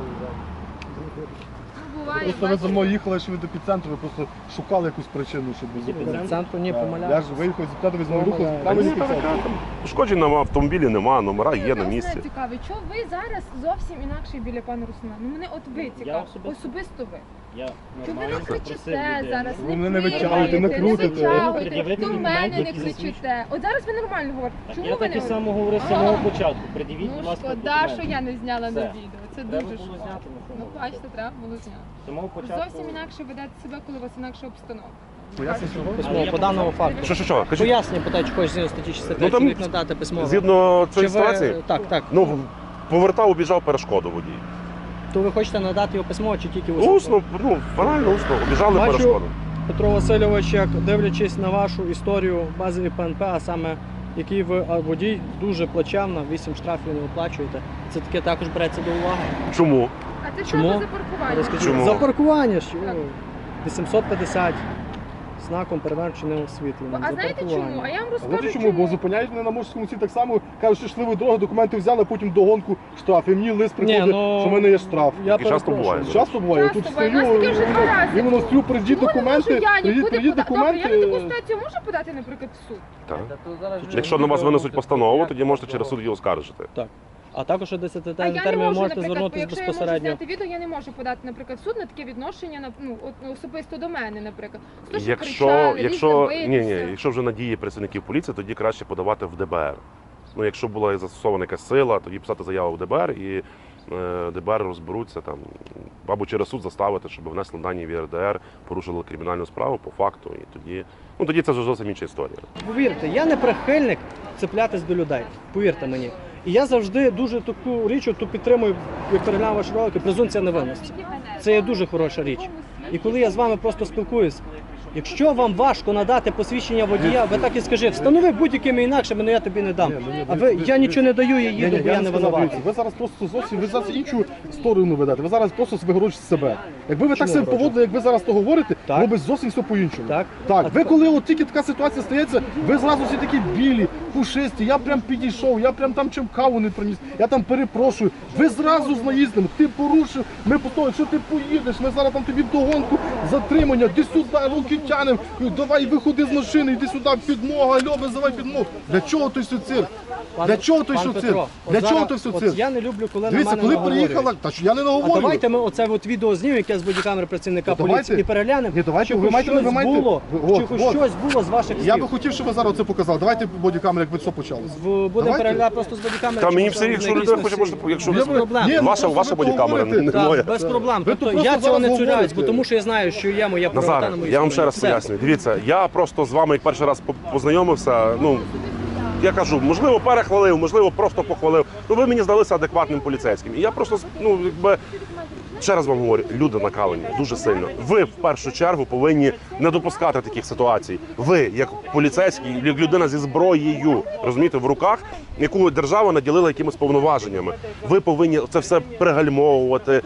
Speaker 1: ну буває.
Speaker 3: Просто ви за
Speaker 1: бачите.
Speaker 3: мною їхали, що ви до підцентру, ви просто шукали якусь причину, щоб зупинитися.
Speaker 4: Центру ні,
Speaker 3: Так. Я
Speaker 4: помиляюся.
Speaker 3: ж виїхав з підцентру, ви з мною рухали,
Speaker 4: Помиляюсь.
Speaker 3: там
Speaker 2: Ні,
Speaker 3: і підцентру.
Speaker 2: Пошкоджень на автомобілі нема, номера є на
Speaker 1: Мене
Speaker 2: місці.
Speaker 1: цікавить, що ви зараз зовсім інакше біля пана Руслана? Ну мене от ви цікаво,
Speaker 4: особисто?
Speaker 1: особисто ви.
Speaker 5: Я
Speaker 1: То ви
Speaker 5: нормально
Speaker 1: не
Speaker 5: запросив
Speaker 1: кричите
Speaker 5: людину.
Speaker 1: зараз,
Speaker 3: Ви мене не
Speaker 1: крикайте,
Speaker 3: витягуєте, не крутите.
Speaker 1: витягуєте,
Speaker 5: Пред'явити
Speaker 1: до
Speaker 5: документи,
Speaker 1: мене не
Speaker 5: які
Speaker 1: кричите. От зараз ви нормально говорите.
Speaker 5: Так,
Speaker 1: Чому
Speaker 5: я
Speaker 1: ви
Speaker 5: так
Speaker 1: не
Speaker 5: і само
Speaker 1: говорите?
Speaker 5: говорив з самого початку. Пред'явіть, будь
Speaker 1: Ну
Speaker 5: ласка,
Speaker 1: шкода,
Speaker 5: документи.
Speaker 1: що я не зняла на
Speaker 5: Все.
Speaker 1: відео. Це
Speaker 5: Треба
Speaker 1: дуже
Speaker 5: було
Speaker 1: шкода.
Speaker 5: зняти,
Speaker 1: Ну бачите, треба було зняти.
Speaker 5: З самого початку.
Speaker 1: Зовсім інакше ведете себе, коли у вас інакша обстановка.
Speaker 3: Поясню, чого?
Speaker 4: Письмово по даному факту.
Speaker 2: Що? Кажіть,
Speaker 4: Пояснення питаю, чи хочеш згідно статті 63
Speaker 2: Ну, там
Speaker 4: чоловік надати письмово.
Speaker 2: згідно
Speaker 4: Чи
Speaker 2: цієї
Speaker 4: ви-
Speaker 2: ситуації,
Speaker 4: Так.
Speaker 2: ну, повертав, обіжав перешкоду водій.
Speaker 4: То ви хочете надати його письмово чи тільки усно?
Speaker 2: Усно, ну, банально усно, обіжали
Speaker 4: Бачу,
Speaker 2: перешкоду.
Speaker 4: Петро Васильович, як дивлячись на вашу історію базові ПНП, а саме який ви водій дуже плачевно, 8 штрафів не оплачуєте. Це таке також береться до уваги.
Speaker 2: Чому?
Speaker 1: А це що
Speaker 4: Чому?
Speaker 1: це за паркування?
Speaker 4: Розкажіть.
Speaker 2: Чому?
Speaker 4: За паркування що?
Speaker 1: Так.
Speaker 4: 850 знаком перевершеного освітлення.
Speaker 1: А
Speaker 4: За
Speaker 1: знаєте
Speaker 4: паркування.
Speaker 1: чому? А я вам
Speaker 3: А
Speaker 1: розкажу
Speaker 3: знаєте чому? Бо зупиняють мене на Морському ці так само, кажуть, що йшли ви дорогу, документи взяли, а потім догонку штраф. І мені лист приходить,
Speaker 4: ну,
Speaker 3: що в мене є штраф.
Speaker 4: Я
Speaker 2: І часто
Speaker 4: перепрошую.
Speaker 2: буває.
Speaker 3: Часто буває,
Speaker 1: Часто
Speaker 3: тут
Speaker 1: буває.
Speaker 3: стою,
Speaker 1: У нас таке вже два рази
Speaker 3: іменно стою, прийдіть
Speaker 1: Чому не
Speaker 3: документи,
Speaker 1: можу я нікуди
Speaker 3: прийдіть
Speaker 1: подати? Добре, я на таку
Speaker 3: документи.
Speaker 1: ситуацію можу подати, наприклад, в суд?
Speaker 2: Так.
Speaker 5: Та то зараз же
Speaker 2: Якщо на вас
Speaker 5: відео
Speaker 2: винесуть
Speaker 5: буде
Speaker 2: постанову,
Speaker 5: стояти,
Speaker 2: тоді можете
Speaker 5: то-
Speaker 2: через суд її оскаржити.
Speaker 4: Так. А також о 10
Speaker 1: А я не
Speaker 4: терміни
Speaker 1: можу,
Speaker 4: можете
Speaker 1: наприклад,
Speaker 4: звернутися
Speaker 1: якщо я можу
Speaker 4: безпосередньо.
Speaker 1: зняти відео, я не можу подати, наприклад, в суд на таке відношення, ну, особисто до мене, наприклад. То, що
Speaker 2: Якщо
Speaker 1: кричали,
Speaker 2: ні,
Speaker 1: битися.
Speaker 2: якщо вже надії працівників поліції, тоді краще подавати в ДБР. Ну, якщо була застосована якась сила, тоді писати заяву в ДБР і ДБР розберуться там або через суд заставити, щоб внесли дані в ЄРДР, порушили кримінальну справу по факту, і тоді це вже зовсім інша історія.
Speaker 4: Повірте, я не прихильник цеплятись до людей. Повірте мені. І я завжди дуже таку річ оту підтримую, як переглянув ваші ролики, презумпція невинності. Це є дуже хороша річ. І коли я з вами просто спілкуюсь, якщо вам важко надати посвідчення водія, ви так і скажіть, встанови будь-якими інакшими, але я тобі не дам. А ви, я нічого не даю, я їду, бо я не винуватий.
Speaker 3: Ви зараз просто зовсім, ви зараз іншу сторону ведете, ви зараз просто вигорочите себе. Якби ви так
Speaker 4: Чому
Speaker 3: себе
Speaker 4: вигороджу?
Speaker 3: поводили, як ви зараз то говорите,
Speaker 4: Так.
Speaker 3: було б зовсім все по-іншому.
Speaker 4: Так.
Speaker 3: Так,
Speaker 4: А
Speaker 3: ви коли от тільки така ситуація стається, ви зразу всі такі білі, пушисті, я прям підійшов, я прям там чим каву не приніс, я там перепрошую. Ви зразу з наїздом, ти порушив, ми потім, якщо ти поїдеш, ми зараз там тобі вдогонку, затримання, йди сюди, руки тянемо, давай виходи з машини, йди сюди, підмога, альо, визивай підмогу. Для чого той все цирк? Для чого той
Speaker 4: Пан
Speaker 3: все
Speaker 4: Петро,
Speaker 3: цирк?
Speaker 4: от
Speaker 3: Для чого
Speaker 4: зараз-
Speaker 3: той все
Speaker 4: от
Speaker 3: цирк?
Speaker 4: Я не люблю, коли на
Speaker 3: Дивіться,
Speaker 4: мене
Speaker 3: коли
Speaker 4: наговорюють.
Speaker 3: приїхала, та що я не
Speaker 4: А
Speaker 3: наговорю.
Speaker 4: давайте ми оце от відео знімемо, яке з бодікамери працівника
Speaker 3: Ну, давайте.
Speaker 4: поліції, і переглянемо,
Speaker 3: Ні, давайте,
Speaker 4: чи
Speaker 3: ви
Speaker 4: хоч
Speaker 3: маєте-
Speaker 4: щось
Speaker 3: ви маєте-
Speaker 4: було,
Speaker 3: ви-
Speaker 4: чи хоч
Speaker 3: от.
Speaker 4: щось було з ваших
Speaker 3: Я би
Speaker 4: слів.
Speaker 3: хотів, щоб ви зараз це показали. Давайте бодікамери, як ви все почалося.
Speaker 4: Будемо
Speaker 3: Давайте.
Speaker 4: переглядати просто з бодікамери.
Speaker 2: Та
Speaker 4: чи
Speaker 2: мені
Speaker 4: можливо,
Speaker 2: все, якщо
Speaker 4: на
Speaker 2: людина
Speaker 4: якійсь
Speaker 2: хоче,
Speaker 4: носії.
Speaker 2: можна, якщо
Speaker 4: Без
Speaker 2: ви-
Speaker 4: проблем.
Speaker 3: Ні, ну,
Speaker 2: Ваша
Speaker 3: просто ви
Speaker 2: бодікамера,
Speaker 3: говорите.
Speaker 2: не
Speaker 4: Так,
Speaker 2: моя.
Speaker 4: без проблем.
Speaker 3: Ви
Speaker 4: Тобто,
Speaker 3: тут
Speaker 4: я
Speaker 3: просто
Speaker 4: цього не
Speaker 3: зараз
Speaker 4: цуряюсь,
Speaker 3: говорите.
Speaker 4: бо тому що я знаю, що є моя правота
Speaker 2: Назаре,
Speaker 4: на моїй
Speaker 2: я вам ще
Speaker 4: стороні.
Speaker 2: раз
Speaker 4: Все.
Speaker 2: пояснюю. Дивіться, я просто з вами як перший раз познайомився. Ну я кажу, можливо, перехвалив, можливо, просто похвалив. Ну ви мені здалися адекватним поліцейським. І я просто ну якби. Ще раз вам говорю, люди накалені дуже сильно. Ви в першу чергу повинні не допускати таких ситуацій. Ви, як поліцейський, як людина зі зброєю, розумієте, в руках, яку держава наділила якимись повноваженнями. Ви повинні це все пригальмовувати.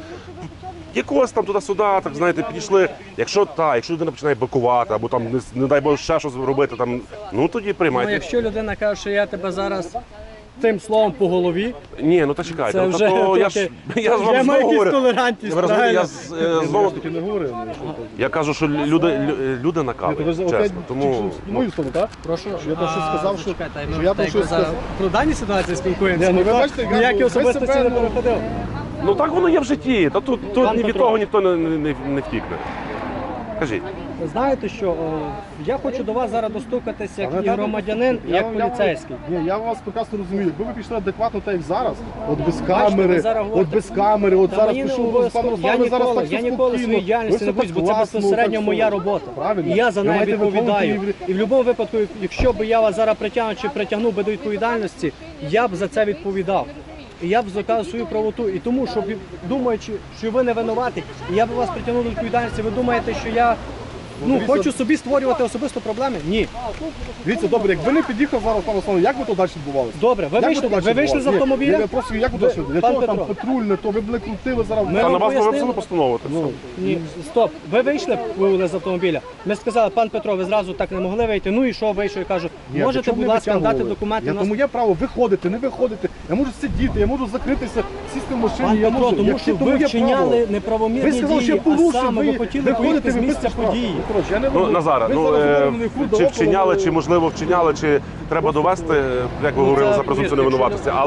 Speaker 2: Якось там туди-сюди, так знаєте, підійшли. Якщо людина починає бикувати, або там не дай Боже ще щось робити, там ну тоді
Speaker 4: Ну,
Speaker 2: приймайте.
Speaker 4: якщо людина каже, що я тебе зараз тим словом по голові,
Speaker 2: Ні, ну та чекайте.
Speaker 4: це
Speaker 2: Ну,
Speaker 4: вже
Speaker 2: то я ж я ж
Speaker 4: вже
Speaker 2: вам
Speaker 4: має
Speaker 2: знову
Speaker 4: якусь
Speaker 2: говорю.
Speaker 4: толерантність,
Speaker 2: Ви розумієте, я
Speaker 4: правильно?
Speaker 2: знову
Speaker 3: Таки не говорили.
Speaker 2: я кажу, що люди
Speaker 3: Ні, то ви
Speaker 2: накалені,
Speaker 3: ж опять
Speaker 2: чесно. Тому
Speaker 3: в мою сторону, так?
Speaker 4: Прошу.
Speaker 3: Що я там щось сказав, що
Speaker 4: Чекайте,
Speaker 3: що
Speaker 4: ми
Speaker 3: я там
Speaker 4: так
Speaker 3: щось
Speaker 4: зараз
Speaker 3: сказав.
Speaker 4: про дані ситуації спілкуємося.
Speaker 3: Ні, ну, ви
Speaker 4: ніхто
Speaker 3: бачите, я
Speaker 4: ніякі
Speaker 3: ви
Speaker 4: особистості
Speaker 3: себе,
Speaker 4: не
Speaker 3: ну,
Speaker 4: переходив.
Speaker 2: ну так воно є в житті. Та тут
Speaker 4: Пан
Speaker 2: ні від
Speaker 4: Петро.
Speaker 2: того ніхто не втікне. Кажіть.
Speaker 4: Знаєте що, я хочу до вас зараз достукатися як
Speaker 3: Але
Speaker 4: і
Speaker 3: так,
Speaker 4: громадянин, і як поліцейський.
Speaker 3: Ні, я вас прекрасно розумію. Якби ви пішли адекватно, так як зараз, от без
Speaker 4: Бачите,
Speaker 3: камери,
Speaker 4: ви зараз
Speaker 3: от
Speaker 4: говорите-
Speaker 3: без камери, от
Speaker 4: Та
Speaker 3: зараз
Speaker 4: мені не
Speaker 3: пішов з
Speaker 4: обов'язково.
Speaker 3: паном Русланом, ви зараз так
Speaker 4: Я
Speaker 3: все
Speaker 4: ніколи
Speaker 3: спокійно,
Speaker 4: своєї діяльності
Speaker 3: ви
Speaker 4: не
Speaker 3: все
Speaker 4: боюсь, бо
Speaker 3: так
Speaker 4: це
Speaker 3: класно,
Speaker 4: безпосередньо
Speaker 3: так
Speaker 4: моя
Speaker 3: все.
Speaker 4: робота.
Speaker 3: Правильно.
Speaker 4: І я за
Speaker 3: Ви
Speaker 4: неї
Speaker 3: маєте
Speaker 4: відповідаю.
Speaker 3: виконувати
Speaker 4: І в будь-якому випадку, якщо б я вас зараз притягнув чи притягнув би до відповідальності, я б за це відповідав. І я б доказав свою правоту. І тому, що думаючи, що ви не винуваті, і я б вас притягнув до відповідальності, ви думаєте, що я хочу собі створювати особисто проблеми? Ні.
Speaker 3: Дивіться, добре, якби не під'їхав зараз пан Руслан, як би то далі відбувалося?
Speaker 4: Добре, ви
Speaker 3: Як
Speaker 4: вийшли,
Speaker 3: би то далі
Speaker 4: ви вийшли з
Speaker 3: відбувалося?
Speaker 4: автомобіля?
Speaker 3: Ні, я просто як би то далі? Для
Speaker 4: Пан
Speaker 3: чого там
Speaker 4: Петро.
Speaker 3: патрульне, то ви б не крутили зараз.
Speaker 4: Ми
Speaker 2: Та
Speaker 4: вам
Speaker 2: на вас не
Speaker 4: пояснили?
Speaker 2: виписали постанову. так
Speaker 3: Ну,
Speaker 2: все.
Speaker 4: Ні, стоп. Ви вийшли з автомобіля. Ми сказали, пан Петро, ви зразу так не могли вийти. Ну і що вийшов? Я кажу,
Speaker 3: Ні,
Speaker 4: можете,
Speaker 3: для чого
Speaker 4: будь
Speaker 3: мене
Speaker 4: ласка,
Speaker 3: витягували?
Speaker 4: надати документи.
Speaker 3: Я
Speaker 4: У нас-
Speaker 3: тому є право виходити, не виходити. Я можу сидіти, я можу закритися, сісти в машині.
Speaker 4: Пан
Speaker 3: я
Speaker 4: Петро,
Speaker 3: можу.
Speaker 4: тому
Speaker 3: Як
Speaker 4: що
Speaker 3: тому
Speaker 4: ви
Speaker 3: є
Speaker 4: вчиняли
Speaker 3: право.
Speaker 4: неправомірні
Speaker 3: Ви сказали, що
Speaker 4: дії,
Speaker 3: я
Speaker 4: а
Speaker 3: порушив,
Speaker 4: саме ви хотіли поїхати з місця події.
Speaker 3: Коротше, я не
Speaker 2: Ну,
Speaker 3: можу.
Speaker 2: Назаре,
Speaker 3: Ви
Speaker 2: ну
Speaker 3: зараз говорите мені фур,
Speaker 2: чи
Speaker 3: да,
Speaker 2: вчиняли,
Speaker 3: около-
Speaker 2: чи можливо вчиняли, чи треба довести, як ви
Speaker 4: Ну,
Speaker 2: говорили
Speaker 4: це,
Speaker 2: за презумпцію
Speaker 4: якщо-
Speaker 2: невинуватості. Але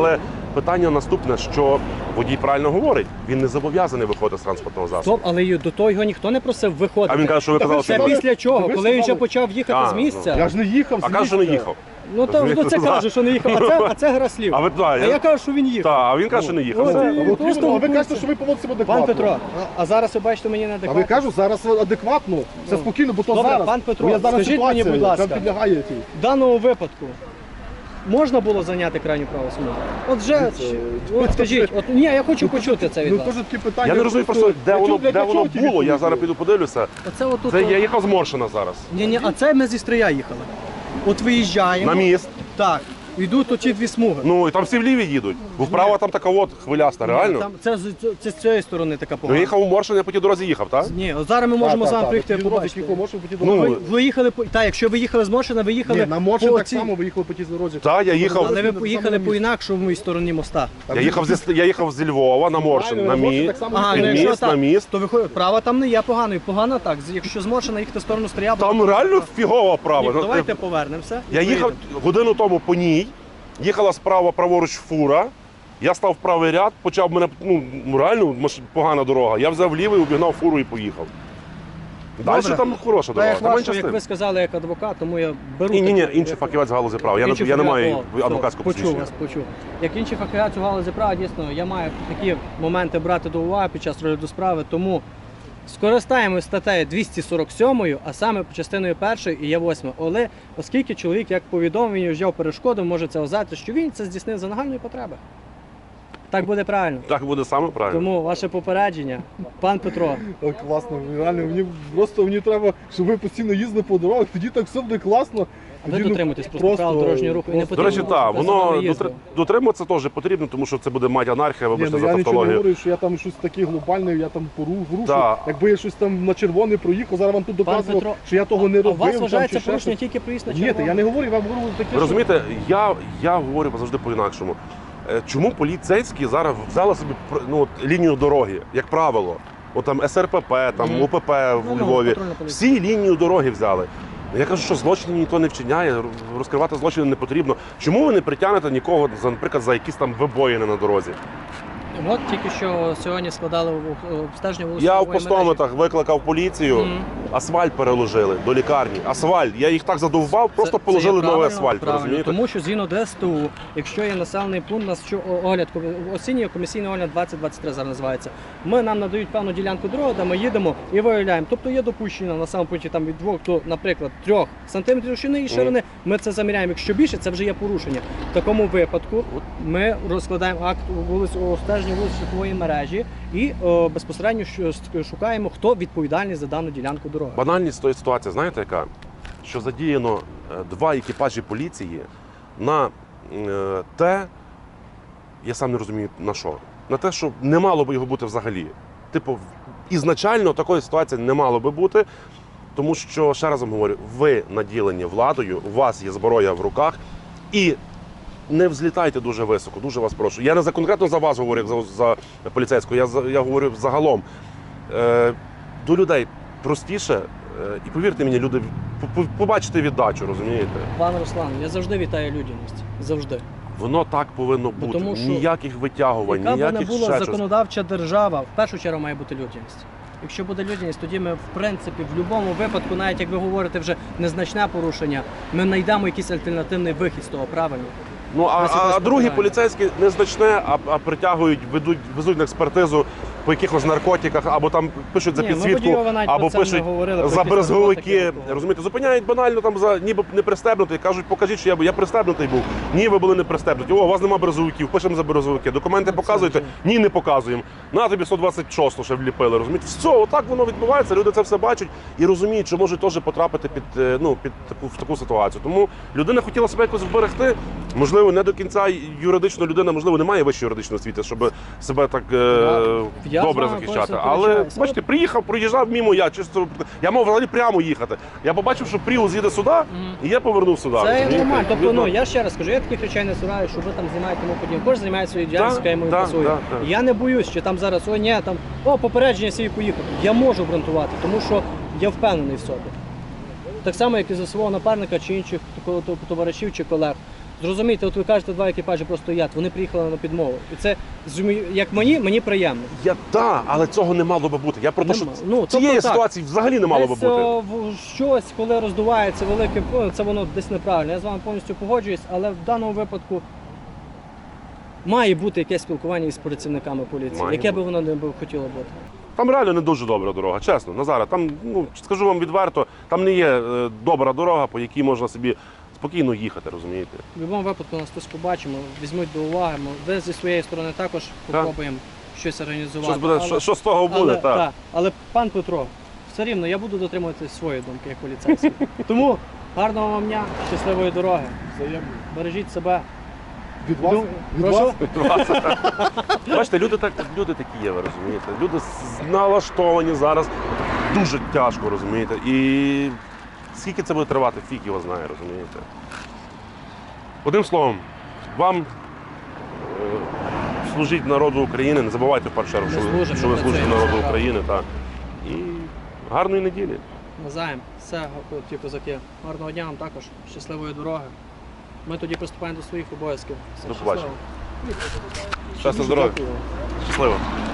Speaker 2: питання наступне, що водій правильно говорить, він не зобов'язаний виходити з транспортного засобу.
Speaker 4: Стоп, але й до того його ніхто не просив виходити.
Speaker 2: А він каже, що ви
Speaker 3: Та ви
Speaker 2: казали,
Speaker 3: що,
Speaker 2: що
Speaker 4: Це
Speaker 2: ви-
Speaker 4: після чого?
Speaker 3: ви
Speaker 4: Коли він вже
Speaker 3: сказали-
Speaker 4: почав їхати
Speaker 2: А,
Speaker 4: з місця.
Speaker 3: Я ж не їхав.
Speaker 2: А
Speaker 3: з
Speaker 2: каже, що не
Speaker 3: місця.
Speaker 2: їхав.
Speaker 4: Ну то
Speaker 2: Розумієте,
Speaker 4: це каже, що не їхав, а це гра слів.
Speaker 2: А ви
Speaker 4: А я
Speaker 2: так,
Speaker 4: кажу, що він їхав.
Speaker 2: а він каже, що не їхав.
Speaker 4: Ну,
Speaker 2: Все.
Speaker 4: це-
Speaker 3: А от
Speaker 4: Просто
Speaker 3: іменно, а ви
Speaker 4: вулиця.
Speaker 3: кажете, що ви поводите себе
Speaker 4: Пан
Speaker 3: адекватно.
Speaker 4: Петро, а зараз ви бачите мені
Speaker 3: А
Speaker 4: неадекватно.
Speaker 3: ви кажу, зараз адекватно, все спокійно, бо то
Speaker 4: Добре,
Speaker 3: зараз.
Speaker 4: пан Петро,
Speaker 3: Бо я зараз
Speaker 4: скажіть мені,
Speaker 3: ситуація,
Speaker 4: будь ласка.
Speaker 3: яка підлягає тій.
Speaker 4: В даному випадку можна було зайняти крайню праву смугу? От вже, от скажіть, от ні, я хочу почути це від
Speaker 3: Ну
Speaker 4: вас.
Speaker 3: теж такі питання.
Speaker 2: Я не розумію просто, де
Speaker 3: Для
Speaker 2: воно,
Speaker 3: чого- для
Speaker 2: де
Speaker 3: чого
Speaker 2: воно
Speaker 3: ті
Speaker 2: було, я
Speaker 3: відповіді?
Speaker 2: зараз піду подивлюся.
Speaker 4: Оце отут.
Speaker 2: Це я їхав з Моршина зараз.
Speaker 4: Ні, а це ми зі Стрия їхали. От виїжджаємо.
Speaker 2: На міст.
Speaker 4: Так. Йдуть оці дві смуги.
Speaker 2: Ну і там всі вліві їдуть. Бо вправо там така от хвиляста, реально.
Speaker 4: Там, це з цієї сторони така
Speaker 2: Ну
Speaker 4: погана.
Speaker 2: я їхав у Моршин, я по тій дорозі їхав, так?
Speaker 4: Ні, от зараз ми можемо з вами приїхати і побачити.
Speaker 2: Ну,
Speaker 4: Ви їхали по так, якщо ви їхали з Моршина, ви їхали
Speaker 3: Ні, на Моршин
Speaker 4: по
Speaker 3: так
Speaker 4: цій-
Speaker 3: само виїхали по тій дорозі.
Speaker 2: Так, я їхав.
Speaker 4: Але ви поїхали по інакшому стороні моста.
Speaker 2: Я їхав зі Львова на Моршин, на міст.
Speaker 4: Ага,
Speaker 2: Під
Speaker 4: ну якщо
Speaker 2: міст, на
Speaker 4: так,
Speaker 2: міст.
Speaker 4: то виходить, права там не є поганою, погана так. Якщо з Моршина їхати в сторону Стрия,
Speaker 2: Там реально фігова права.
Speaker 4: Ні, давайте повернемося. і
Speaker 2: Я їхав
Speaker 4: поїдемо.
Speaker 2: годину тому по ній, їхала справа праворуч фура. Я став в правий ряд, почав мене, ну реально погана дорога. Я взяв лівий, обігнав фуру і поїхав. Далі
Speaker 4: Добре.
Speaker 2: там хороша
Speaker 4: Та
Speaker 2: дорога.
Speaker 4: як
Speaker 2: Там
Speaker 4: вашу,
Speaker 2: менше з
Speaker 4: як
Speaker 2: тим.
Speaker 4: ви сказали, як адвокат, тому я беру.
Speaker 2: Ні,
Speaker 4: таку-
Speaker 2: інший фахівець в галузі права. Я
Speaker 4: Інший
Speaker 2: не
Speaker 4: фахівець-
Speaker 2: маю
Speaker 4: О, все,
Speaker 2: адвокатського
Speaker 4: почув
Speaker 2: посвідчення.
Speaker 4: вас, почув. Як інший фахівець у галузі права, дійсно, я маю такі моменти брати до уваги під час розгляду справи, тому скористаємось статтею 247, а саме частиною 1 і є 8. Але оскільки чоловік, як повідомив, він вжив перешкоду, може це вважати, що він це здійснив за нагальної потреби. Так буде правильно.
Speaker 2: Так буде саме правильно.
Speaker 4: Тому ваше попередження, пан Петро.
Speaker 3: О, класно, реально, мені треба, щоб ви постійно їздили по дорогах, тоді так все буде класно.
Speaker 4: Ви
Speaker 3: Тоді, ну,
Speaker 4: дотримуєтесь просто правил дорожнього руху і не
Speaker 3: просто-
Speaker 2: До речі,
Speaker 4: потрібно
Speaker 2: так,
Speaker 4: показати
Speaker 2: воно
Speaker 4: виїзду.
Speaker 2: дотримуватися теж потрібно, тому що це буде мать анархія,
Speaker 3: Ні,
Speaker 2: вибачте
Speaker 3: ну
Speaker 2: за
Speaker 3: я нічого не
Speaker 2: тавтологію.
Speaker 3: говорю, що я там щось таке глобальне, я там порушу.
Speaker 2: Так.
Speaker 3: Якби я щось там на червоне проїхав, зараз вам тут
Speaker 4: Пан
Speaker 3: доказував,
Speaker 4: Петро,
Speaker 3: що я того не
Speaker 4: а у
Speaker 3: робив.
Speaker 4: вас
Speaker 3: там,
Speaker 4: вважається
Speaker 3: чи ще
Speaker 4: порушення
Speaker 3: щось.
Speaker 4: тільки проїзд на
Speaker 3: Ні,
Speaker 4: червоне?
Speaker 3: я не говорю, я вам говорю таке.
Speaker 2: Ви розумієте, я говорю завжди по-інакшому. Чому поліцейські зараз взяли собі лінію дороги, як правило? От там СРПП, там
Speaker 4: Мгм.
Speaker 2: УПП в
Speaker 4: Ну,
Speaker 2: Львові.
Speaker 4: патрульна поліція.
Speaker 2: Всі лінію дороги взяли. Я кажу, що злочинів ніхто не вчиняє, розкривати злочини не потрібно. Чому ви не притягнете нікого, наприклад, за якісь там вибоїни на дорозі?
Speaker 4: От тільки що сьогодні складали обстеження вулиці.
Speaker 2: Я в
Speaker 4: Нової
Speaker 2: Постометах викликав поліцію,
Speaker 4: Мгм.
Speaker 2: асфальт переложили до лікарні. Асфальт. Я їх так задовбав,
Speaker 4: мережі.
Speaker 2: просто
Speaker 4: Це
Speaker 2: положили
Speaker 4: є
Speaker 2: новий
Speaker 4: правильно,
Speaker 2: асфальт. ви
Speaker 4: правильно.
Speaker 2: Розумієте?
Speaker 4: Тому що згідно ДСТУ, якщо є населений пункт, у нас що огляд, осінній комісійний огляд 2023 зараз називається. Нам надають певну ділянку дороги, де ми їдемо і виявляємо. Тобто є допущення на самому пункті там від 2 до, наприклад, 3 сантиметрів довжини і ширини. Ми це заміряємо. Якщо більше, це вже є порушення. В такому випадку ми розкладаємо акт обстеження вулиць шляхової мережі і безпосередньо шукаємо, хто відповідальний за дану ділянку дороги.
Speaker 2: Банальність тої ситуації, знаєте яка? Що задіяно 2 екіпажі поліції на те, я сам не розумію на що, на те, що не мало би його бути взагалі. Типу, ізначально такої ситуації не мало би бути, тому що, ще раз вам говорю, ви наділені владою, у вас є зброя в руках, і не взлітайте дуже високо, дуже вас прошу. Я не конкретно за вас говорю, як за поліцейського, я говорю загалом. До людей простіше, і повірте мені, люди побачите віддачу, розумієте?
Speaker 4: Пане Руслан, я завжди вітаю людяність. Завжди.
Speaker 2: Воно так повинно бути.
Speaker 4: тому що
Speaker 2: Ніяких витягувань,
Speaker 4: Яка б не
Speaker 2: ніяких
Speaker 4: була
Speaker 2: ще щось.
Speaker 4: законодавча держава, в першу чергу має бути людяність. Якщо буде людяність, тоді ми, в принципі, в будь-якому випадку, навіть як ви говорите, вже незначне порушення, ми знайдемо якийсь альтернативний вихід з того, правильно?
Speaker 2: Ну,
Speaker 4: Ось
Speaker 2: а
Speaker 4: якось
Speaker 2: другі
Speaker 4: питання.
Speaker 2: поліцейські незначне, а притягують, везуть на експертизу по якихось наркотиках, або там пишуть за
Speaker 4: Ні, ми
Speaker 2: підсвітку,
Speaker 4: водійова навіть
Speaker 2: або
Speaker 4: про це не
Speaker 2: пишуть
Speaker 4: говорили, про
Speaker 2: за
Speaker 4: якісь
Speaker 2: брезговики.
Speaker 4: наркотики.
Speaker 2: Розумієте, зупиняють банально там за ніби не пристебнутий. Кажуть, покажіть, що я пристебнутий був. Ні, ви були не пристебнуті. О, у вас нема брезговиків, пишемо за брезговики. Документи показуєте? Ні, не показуємо. На тобі 126 ще вліпили. Розумієте, все, отак воно відбувається. Люди це все бачать і розуміють, що можуть теж потрапити в таку ситуацію. Тому людина хотіла себе якось вберегти. Можливо, не до кінця юридично людина, можливо, не має вищої юридичної освіти, щоб себе так
Speaker 4: Я
Speaker 2: добре
Speaker 4: з вами
Speaker 2: захищати.
Speaker 4: повністю
Speaker 2: Але
Speaker 4: сперечаюся.
Speaker 2: бачите, проїжджав мимо я мав взагалі прямо їхати. Я побачив, що Пріус їде сюди, і я повернув сюди.
Speaker 4: Це
Speaker 2: розумієте?
Speaker 4: нормально. Тобто,
Speaker 2: Видно?
Speaker 4: я ще раз кажу, я таких речей не сираю, що ви там знімаєте тому подібне. Кожен займає свою діяльність, яка йому пасує.
Speaker 2: да.
Speaker 4: Я не боюсь, що там зараз попередження свій поїхав. Я можу обґрунтувати, тому що я впевнений в собі. Так само, як і за свого напарника чи інших товаришів чи колег. Зрозумійте, от ви кажете, 2 екіпажі просто стоять, вони приїхали на підмогу. І це, як мені приємно.
Speaker 2: Але цього не мало би бути. Я про те, що
Speaker 4: Нема. Ну,
Speaker 2: цієї
Speaker 4: тобто так.
Speaker 2: ситуації взагалі не мало би
Speaker 4: Десь,
Speaker 2: бути.
Speaker 4: щось, коли роздувається велике, це воно десь неправильно. Я з вами повністю погоджуюсь, але в даному випадку має бути якесь спілкування із працівниками поліції,
Speaker 2: Має
Speaker 4: яке би
Speaker 2: бути.
Speaker 4: воно не хотіло бути.
Speaker 2: Там реально не дуже добра дорога, чесно, Назаре. Там, скажу вам відверто, там не є добра дорога, по якій можна собі спокійно їхати, розумієте?
Speaker 4: В будь-якому випадку нас хтось побачимо, візьмуть до уваги. Ви зі своєї сторони також попробуємо щось організувати.
Speaker 2: Щось буде, що з того буде, так.
Speaker 4: Але пан Петро, все рівно я буду дотримуватися своєї думки як поліцейський. Тому гарного вам дня, щасливої дороги.
Speaker 3: Взаємно.
Speaker 4: Бережіть себе.
Speaker 3: Від вас? Від
Speaker 4: Прошу?
Speaker 3: вас?
Speaker 2: Бачите, люди такі є, ви розумієте? Люди налаштовані зараз дуже тяжко, розумієте? І скільки це буде тривати, фіг його знає, розумієте? Одним словом, вам служіть народу України, не забувайте в першу чергу,
Speaker 4: Ми служимо,
Speaker 2: що ви
Speaker 4: ми
Speaker 2: служите
Speaker 4: працюємо,
Speaker 2: народу
Speaker 4: це
Speaker 2: України. Так. І гарної неділі.
Speaker 4: Назаєм. Все, ті козаки. Гарного дня вам також. Щасливої дороги. Ми тоді приступаємо до своїх обов'язків. Все,
Speaker 2: До побачення.
Speaker 4: щасливо.
Speaker 2: Щастя, здоров'я.
Speaker 3: Дякую.
Speaker 2: Щасливо.